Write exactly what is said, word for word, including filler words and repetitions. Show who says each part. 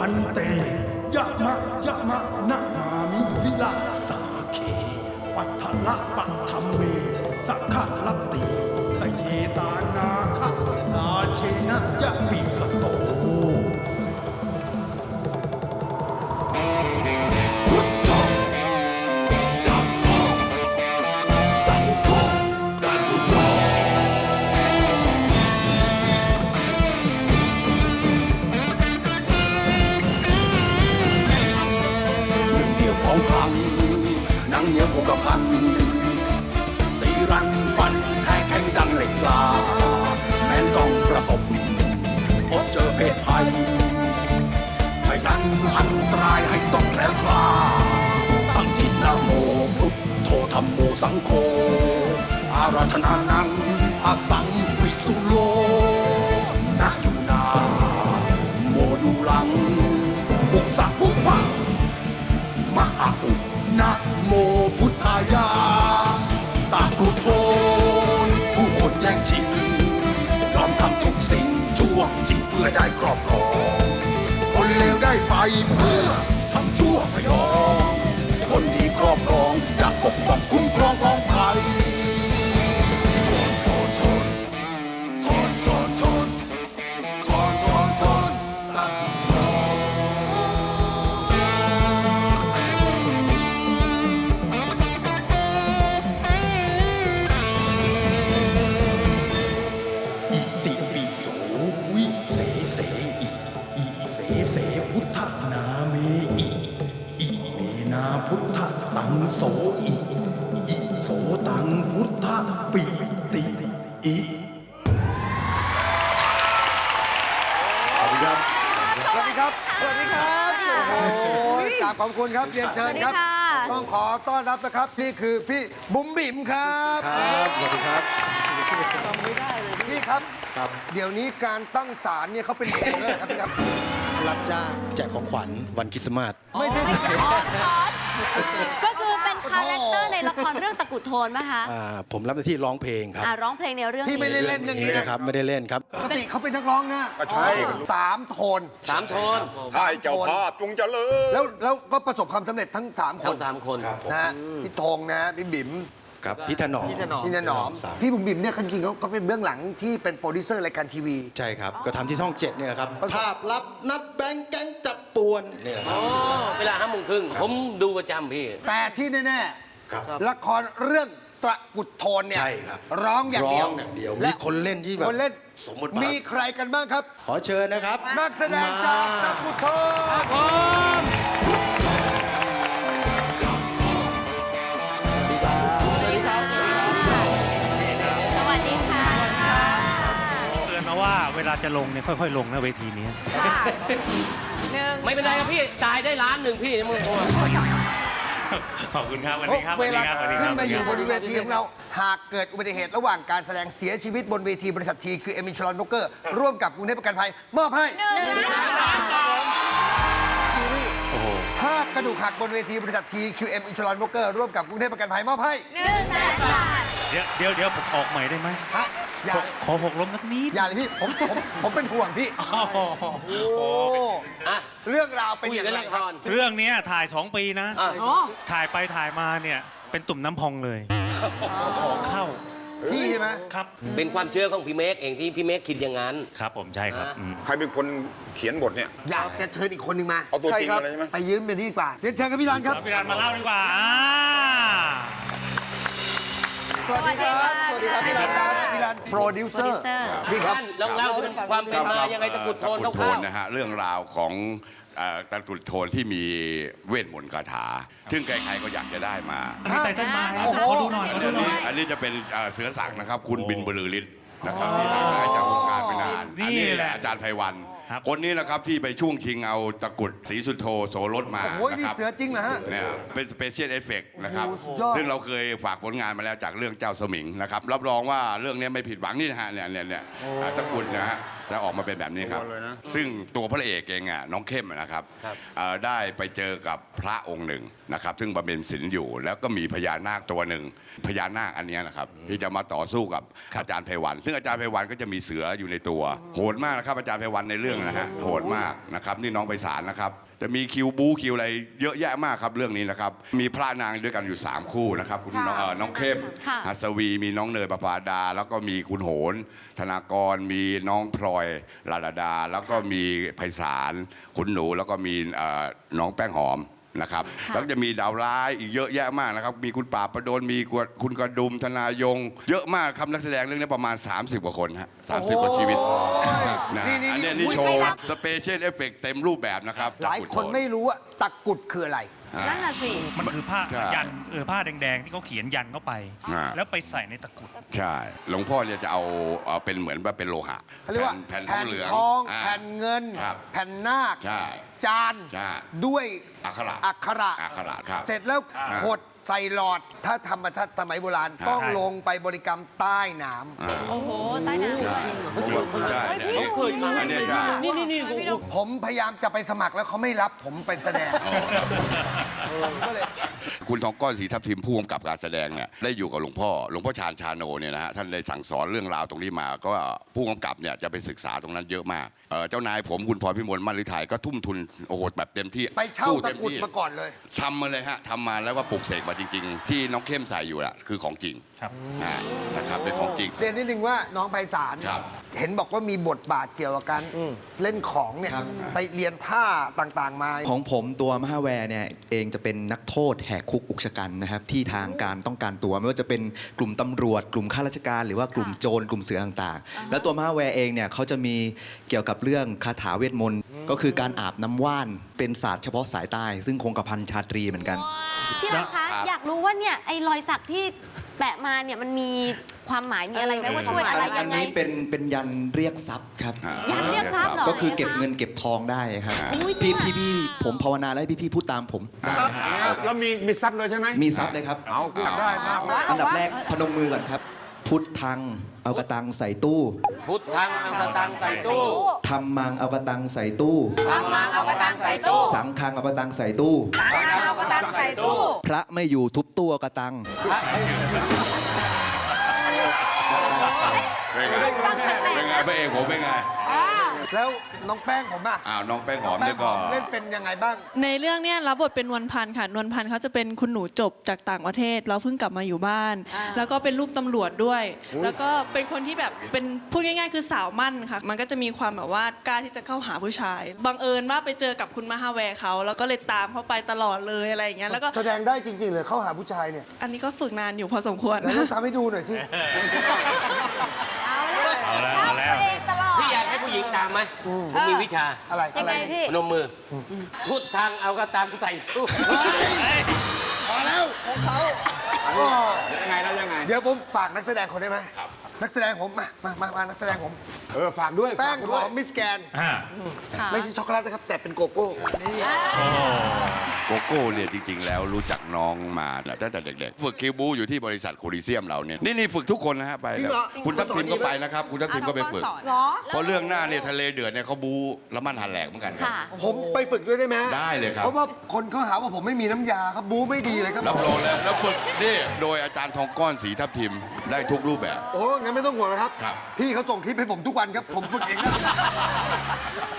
Speaker 1: นเตยะมะยะมะนะมามิวิลาสาเคปัทละปัทธเมสักขะลัตติสเยตานาคะนาเชนะยะปิสโตพุทโธธัมโมสังโฆตันตุโตของคลังหนังเหนียวคงกระพันตีรันฟันแทงแข็งดังเหล็กกล้าแม้นต้องประสบพบเจอเพศภัยไม่นั้นอันตรายให้ต้องแคล้วคลาดตั้งจิตนะโมพุทโธธัมโมสังโฆอาราธนานังอาสังวิสุโลนะอยู่นาโมอยู่หลังบุกสักบุกพังมะอะอุนะโมพุทธายาตาครุโทนผู้คนแย่งชิงยอมทำทุกสิ่งชั่วจริงเพื่อได้ครอบครองคนเลวได้ไปเพื่อทำชั่วพยองคนดีครอบครองจะปกป้องคุ้มครองของภัยโทษโทษโทษโทษโทษโทษโทษโทษตัดโทเสพุทธนาเมอิอิเมนาพุทธตังโสอิอิโสตังพุทธปิติอิสวัสดีครับ
Speaker 2: สวัสดีครับ สวัสดีครับ โอ้โหกราบขอบคุณครับเรียนเชิญครับ ต้องขอต้อนรับนะครับ นี่คือพี่บุ๋มบิ๋มครับ
Speaker 3: ครับ สวัสดีครับ
Speaker 2: จำไม่ได้เลยพี่ครับ
Speaker 3: ครับ
Speaker 2: เดี๋ยวนี้การตั้งศาลเนี่ยเขาเป็นเองเลยครับพี่ครับ
Speaker 3: รับจ้างแจกของขวัญวันคริสต์มาส
Speaker 2: ไม่ใช่สิครับ
Speaker 4: ก็คือเป็นคาแรคเตอร์ในละครเรื่องตะกรุดโทนป่ะคะ
Speaker 3: อ่าผมรับหน้าที่ร้องเพลงครับ
Speaker 4: อ่าร้องเพลงในเรื่อง
Speaker 2: พี่ไม่ได้
Speaker 4: นี้
Speaker 2: เล่นเรื่องนี้
Speaker 3: นี่
Speaker 2: นะ
Speaker 3: นะครับ ไม่ได้เล่นครับ
Speaker 2: ปกติเขาเป็นนักร้องนะ
Speaker 5: ก็ใช่
Speaker 2: สามโทน
Speaker 6: สามโทน
Speaker 5: ใช่เจ้าภาพจงเจริญ
Speaker 2: แล้วแล้วก็ประสบความสำเร็จทั้งสามค
Speaker 6: ทั้
Speaker 2: น
Speaker 6: งสามคน
Speaker 3: ครับผม
Speaker 2: นะฮะพี่ธงนะพี่บิ๋ม
Speaker 3: ครับพี่ถนอม
Speaker 2: พี่นหนอม
Speaker 3: สาม
Speaker 2: พี่บุ๋มบิ๋มเนี่ยจริงๆเขาเขาเป็นเบื้องหลังที่เป็นโปรดิวเซอร์รายการทีวี
Speaker 3: ใช่ครับ ก็ทำที่ช่องเจ็ดเนี่ยครับ ภาพลับนับแบงค์แก๊งจับป่วนเนี่ยครับ
Speaker 6: อ๋อ เวลาห้าโมงครึ่งผมดูประจำพี่
Speaker 2: แต่ที่แน่
Speaker 3: ครับ
Speaker 2: ๆละครเรื่องตะกรุดโทนเนี่ย
Speaker 3: ใช่ครับ
Speaker 2: ร้องอย่างเดียว
Speaker 3: ร้องอย่างเดียว
Speaker 2: และ
Speaker 3: มีคนเล่นที่แบบ
Speaker 2: คนเล่น
Speaker 3: สมมุติบาท
Speaker 2: มีใครกันบ้างครับ
Speaker 3: ขอเชิญนะครับ
Speaker 2: นักแสดงจากตะกรุดโทน
Speaker 4: สวัสดีค่ะ
Speaker 7: เตือนมาว่าเวลาจะลงเนี่ยค่อยๆ ลงนะเวทีนี้
Speaker 6: ไม่เป็นไรครับพี่จ่ายได้ล้านหนึ่งพี่มึงโอ้
Speaker 7: ขอบคุณครับวันนี้ครับ
Speaker 2: เวลา
Speaker 7: วันนี้ค
Speaker 2: ขึ้
Speaker 7: รั
Speaker 2: น
Speaker 7: บ
Speaker 2: มาอยู่บ
Speaker 7: วัน
Speaker 2: น
Speaker 7: นี้
Speaker 2: เว
Speaker 7: ครับ
Speaker 2: ทีของเรา หากเกิดอุบัติเหตุระหว่างการแสดงเสียชีวิตบนเวทีบริษัททีคือเอมิชลอนโบเกอร์ร่วมกับกรุงเทพประกันภัยมอบให้จีนี่
Speaker 7: โอ้โห
Speaker 2: ถ้ากระดูกหักบนเวทีบริษัททีคิวเอ็มอินชลอนโบเกอร์ร่วมกับกรุงเทพประกันภัยมอบให้
Speaker 7: เดี๋ยวเดี๋ยวเดี๋ยวผมออกใหม่ได้ไหม
Speaker 2: ฮะอย่า
Speaker 7: ขอขอหกล้มสักนิด
Speaker 2: อย่าเลยพี่ผมผมผมเป็นห่วงพี่
Speaker 7: อ๋อ
Speaker 2: โอ้
Speaker 6: อะ
Speaker 2: เรื่องราวเป็น
Speaker 6: คุย
Speaker 2: อย่าง
Speaker 6: กัน
Speaker 2: ไร
Speaker 6: ละ
Speaker 2: ค
Speaker 6: ครับ ร
Speaker 7: เรื่องเนี้ยถ่ายสองปีนะ
Speaker 6: อ่ะ
Speaker 7: ถ่ายไปถ่ายมาเนี่ยเป็นตุ่มน้ำพองเลย ของเข้า
Speaker 2: พี่ใช่ไหม
Speaker 7: ครับ
Speaker 6: เป็นความเชื่อของพี่เมฆเองที่พี่เมฆคิดอย่างนั้น
Speaker 7: ครับผมใช่ครับอืม
Speaker 5: ใครเป็นคนเขียนบทเนี่ย
Speaker 2: อยากจะเชิญอีกคนหนึ่งมา
Speaker 5: เอาตัวจริง
Speaker 2: คบ
Speaker 5: มาเลยใช่ไหม
Speaker 2: ไปยืมเป็นที่ดีกว่าเรียนเชิญครับพี่รันครับ
Speaker 7: เอาพี่รันมาเล่าดีกว่าอ่า
Speaker 2: สวัสดีครับสวัสดีครับพี่รันครับพี่รันโปรดิวเซอร์
Speaker 4: Producer
Speaker 2: พี่ครับ
Speaker 6: ท่านลองเล่าถึงความเป็นมายังไงตะกรุดโทน
Speaker 8: ตะกรุดโท
Speaker 6: คร่าน ว
Speaker 8: นะฮะเรื่องราวของเอ่อตะกรุดโทนที่มีเวทมนต์คาถา ซึ่งใครๆก็อยากจะได้มา
Speaker 7: อันนี้ไตเติ้ลมา
Speaker 2: โอ้โห
Speaker 7: ขอดูหน่อยขอดูหน่อย
Speaker 8: อันนี้จะเป็นเอ่อเสือสักนะครับ คุณบินบรือฤทธิ์นะครับที่ห่างหายจากวงการไปนาน
Speaker 7: นี่
Speaker 8: อันนี้
Speaker 7: แหละ
Speaker 8: อาจารย์ไพวัน
Speaker 7: ครับ
Speaker 8: คนนี้แหละครับที่ไปช่วงชิงเอาตะกรุดศรีสุโธโสรสมา
Speaker 2: โอ้โหนี่
Speaker 8: นะครับ
Speaker 2: เสือจริงเหรอฮะ
Speaker 8: เนี่ยเป็นสเปเชียลเอฟเฟกต์นะครับ
Speaker 2: โอ้โหสุดยอด
Speaker 8: ซึ่งเราเคยฝากผลงานมาแล้วจากเรื่องเจ้าสมิงนะครับรับรองว่าเรื่องนี้ไม่ผิดหวังนี่นะฮะเนี่ยเนี่ยเนี่ยอ่าตะกรุดนะฮะจะออกมาเป็นแบบนี้ครับ ซึ่งตัวพระเอกเองอ่ะน้องเข้มอะนะครับเอ่อได้ไปเจอกับพระองค์หนึ่งนะครับ ซึ่งบำเพ็ญศีลอยู่ แล้วก็มีพญานาคตัวหนึ่งพญานาคอันเนี้ยนะครับที่จะมาต่อสู้กับอาจารย์ไพวัน ซึ่งอาจารย์ไพวันก็จะมีเสืออยู่ในตัวโหดมากนะครับอาจารย์ไพวันในเรื่องนะฮะโหดมากนะครับนี่น้องไพศาลนะครับจะมีคิวบูคิวอะไรเยอะแยะมากครับเรื่องนี้นะครับมีพระนางด้วยกันอยู่สามคู่นะครับคุณน้องเอ่อน้องเข้ม
Speaker 4: ค่ะ
Speaker 8: หัสวีมีน้องเนยประภาดา แล้วก็มีคุณโหนธนากรมีน้องพลอยลาลาดา แล้วก็มีไพศาลคุณหนูแล้วก็มีเอ่อน้องแป้งหอมนะครับแล้วก็จะมีดาวร้ายอีกเยอะแยะมากนะครับมีคุณป่าบประดลมีคุณกระดุมธนายง เยอะมากครับนักแสดงเรื่องนี้ประมาณ สามสิบ กว่าคนฮะสามสิบกว่าชีวิตนะ
Speaker 2: นี่นี่
Speaker 8: อัน
Speaker 2: นี่
Speaker 8: เนี้ยนี่โชว์สเปเชียลเอฟเฟกต์เต็มรูปแบบนะครับ
Speaker 2: หลายคนไม่รู้ว่าตะกรุดคืออะไร
Speaker 4: นั่นน่ะสิ
Speaker 7: มันคือผ้า
Speaker 8: ใช่
Speaker 7: ยันเออผ้าแดงๆ ที่เขาเขียนยันเข้าไป
Speaker 8: อ่า
Speaker 7: แล้วไปใส่ในตะกรุด
Speaker 8: ใช่หลวงพ่อเนี่ยจะเอาเอาเป็นเหมือนว่าเป็นโลหะ
Speaker 2: เขาเรียกว่า
Speaker 8: แผ่นท
Speaker 2: แผ่
Speaker 8: อง
Speaker 2: น
Speaker 8: เหลือง
Speaker 2: ทอง
Speaker 8: า
Speaker 2: แผ่นเงิน
Speaker 8: ครับ
Speaker 2: แผ่นนาค
Speaker 8: ใช่
Speaker 2: จาน
Speaker 8: ใช่
Speaker 2: ด้วย
Speaker 8: อักขระ
Speaker 2: อักขระ
Speaker 8: อักขระครับ
Speaker 2: เสร็จแล้วขดใส่หลอด ถ้าทำมาถ้าสมัยโบราณ
Speaker 8: ครับ
Speaker 2: ต้องลงไปบริกรรมใต้น้
Speaker 8: อ่า
Speaker 4: โอ้โหใต้น้ำ
Speaker 8: ใช่ใช่เนี่ยอันเนี้ยใช่
Speaker 6: นี่นี่นี่
Speaker 2: ำผมพยายามจะไปสมัครแล้วเขาไม่รับผมเป็นแสดงผมก็เลย
Speaker 8: คุณทองก้อนศรีทับทิมผู้กำกับการแสดงเนี่ยได้อยู่กับหลวงพ่อหลวงพ่อชาญชาโนเนี่ยนะฮะท่านได้สั่งสอนเรื่องราวตรงนี้มา ก็ผู้กำกับเนี่ยจะไปศึกษาตรงนั้นเยอะมากเอ่อเจ้านายผมคุณพรพิมลมั่นฤทัยก็ทุ่มทุนโอ้โหแบบเต็มที่
Speaker 2: ไปเช่า
Speaker 8: สู้
Speaker 2: ตะ
Speaker 8: ต็
Speaker 2: กรุด
Speaker 8: ที่
Speaker 2: มาก่อนเลย
Speaker 8: ทำมาเลยฮะทำมาแล้วก็ปลุกเสกมาจริง ๆ ที่น้องเข้มใส่อยู่อะคือของจริง
Speaker 7: ครับ
Speaker 8: อ่านะครับเป็นของจริง
Speaker 2: เรียนนิดนึงว่าน้องไพศาล
Speaker 8: ครับ
Speaker 2: เห็นบอกว่ามีบทบาทเกี่ยวกับการเล่นของเนี่ย
Speaker 9: ครับ
Speaker 2: ไปเรียนท่าต่างๆมา
Speaker 9: ของผมตัวมหาแวร์เนี่ยเองจะเป็นนักโทษแหกคุกอุกชะกันนะครับที่ทางการต้องการตัวไม่ว่าจะเป็นกลุ่มตำรวจ กลุ่มข้าราชการ หรือว่ากลุ่มโจรกลุ่มเสือต่างๆ แล้วตัวมหาแวร์เองเนี่ยเขาจะมีเกี่ยวกับเรื่องคาถาเวทมนต์ก็คือการอาบน้ำว่านเป็นศาสตร์เฉพาะสายใต้ซึ่งคงกระพันชาตรีเหมือนกัน
Speaker 4: พี่อันคะ อยากรู้ว่าเนี่ยไอ้รอยสักที่แปะมาเนี่ยมันมีความหมายมีอะไรไหมว่าช่วยอะไร
Speaker 9: อั
Speaker 4: ยั
Speaker 9: น
Speaker 4: งไง
Speaker 9: นี้เป็นเป็นยันเรียกทรัพย์ครับ
Speaker 8: อ่า
Speaker 4: ยันเรียกทรัพย์เหรอ
Speaker 9: ก็คือเก็บเงินเก็บทองได้ครับ
Speaker 4: อุ๊ยจริ
Speaker 9: พี่
Speaker 4: งอะ
Speaker 9: พี่พี่ผมภาวนาแล้วให้พี่พี่พูดตามผมได้นะฮะ
Speaker 5: แล้วมีมีซับเลยใช่ไหม
Speaker 9: มีทรัพย์เลยครับ
Speaker 5: เอาอยากได้มากเลย
Speaker 9: อันดับแรกพนมมือก่อนครับ พุทธังเอากระตังใส่ตู้
Speaker 6: พุทธังเอากระตังใส่ตู้
Speaker 9: ธรรมังเอากระตังใส่ตู้
Speaker 4: ทำมาเอากระตังใส่ตู้
Speaker 9: สังฆังเอากระตังใส่ตู้
Speaker 4: เอากระตังใส่ตู้
Speaker 9: พระไม่อยู่ทุบตู้เอากระตัง
Speaker 8: เป็นไงเป็นไงพระเอกผมเป็นไง
Speaker 2: แล้วน้องแป้งผมอะ
Speaker 8: อ้าวน้องแป้งหอม
Speaker 2: แป้
Speaker 8: เนี่
Speaker 2: ง
Speaker 8: ย
Speaker 2: ห
Speaker 8: ก็
Speaker 2: อมเล่นเป็นยังไงบ้าง
Speaker 10: ในเรื่องเนี้ยรับบทเป็นนวลพันธ์ค่ะ นวลพันธ์เขาจะเป็นคุณหนูจบจากต่างประเทศแล้วเพิ่งกลับมาอยู่บ้าน แล้วก็เป็นลูกตำรวจด้วย แล้วก็เป็นคนที่แบบเป็นพูดง่ายๆ คือสาวมั่นค่ะ มันก็จะมีความแบบว่ากล้าที่จะเข้าหาผู้ชาย บังเอิญว่าไปเจอกับคุณมหาแวร์เขาแล้วก็เลยตามเขาไปตลอดเลยอะไรอย่างเงี้ย แล้วก็
Speaker 2: แสดงได้จริงๆเลยเข้าหาผู้ชายเนี่ย
Speaker 10: อันนี้ก็ฝึกนานอยู่พอสมควร
Speaker 2: แล้วต้องทำให้ดูหน่อยสิ
Speaker 4: เอาแล้ว
Speaker 7: เอาแล้ว
Speaker 4: ตัวเองตลอด
Speaker 6: พี่อยากให้ผู้หญิงตามไหมผมมีวิชา
Speaker 2: อะไร
Speaker 4: ยังไงพี่
Speaker 6: พนมมืออพุทธังเอากระตังใส่ตู้
Speaker 2: พอแล้วของเขา
Speaker 5: ยังไงแล้วยังไง
Speaker 2: เดี๋ยวผมฝากนักแสดงคนได้ไหมนักแสดงผมมามามามานักแสดงผม
Speaker 5: เออ ฝากด้วย
Speaker 2: แป้ง
Speaker 5: ฝาก
Speaker 2: ห
Speaker 5: ด้ว
Speaker 2: อย มมิสแกน
Speaker 7: อ่า
Speaker 2: ไม่ใช่ช็อกโกแลตนะครับ แต่เป็นโกโก้
Speaker 8: โกโก้เนี่ยจริงๆ แล้วรู้จักน้องมาตั้งแต่เด็กๆ ฝึกคิวบูอยู่ที่บริษัทโคลิเซียมเราเนี่ยนี่นี่ฝึกทุกคนนะฮะไป
Speaker 2: จริงเหรอ
Speaker 8: คุณทัพทิมก็ไปนะครับ คุณทัพทิมก็ไปฝึก
Speaker 4: เหรอ
Speaker 8: เพราะเรื่องหน้าเนี่ยทะเลเดือดเนี่ยเขาบูละมันหันแหลกเหมือนกันครับ
Speaker 4: ค่ะ
Speaker 2: ผมไปฝึกด้วยได้ไหม
Speaker 8: ได้เลยครับ
Speaker 2: เพราะว่าคนเขาหาว่าผมไม่มีน้ำยาครับบูไม่ดีเลยครับ
Speaker 8: รับรองแล้วแล้วฝึกนี่โดยอาจารย์ทองก้อนศรีทับทิมได้ทุกรูปแบบ
Speaker 2: โอ้งั้นไม่ต้องห่วงนะครับ
Speaker 8: ครับ
Speaker 2: พี่เขาส่งคลิปให้ผมทุกวันครับ ผมฝึกเองนะ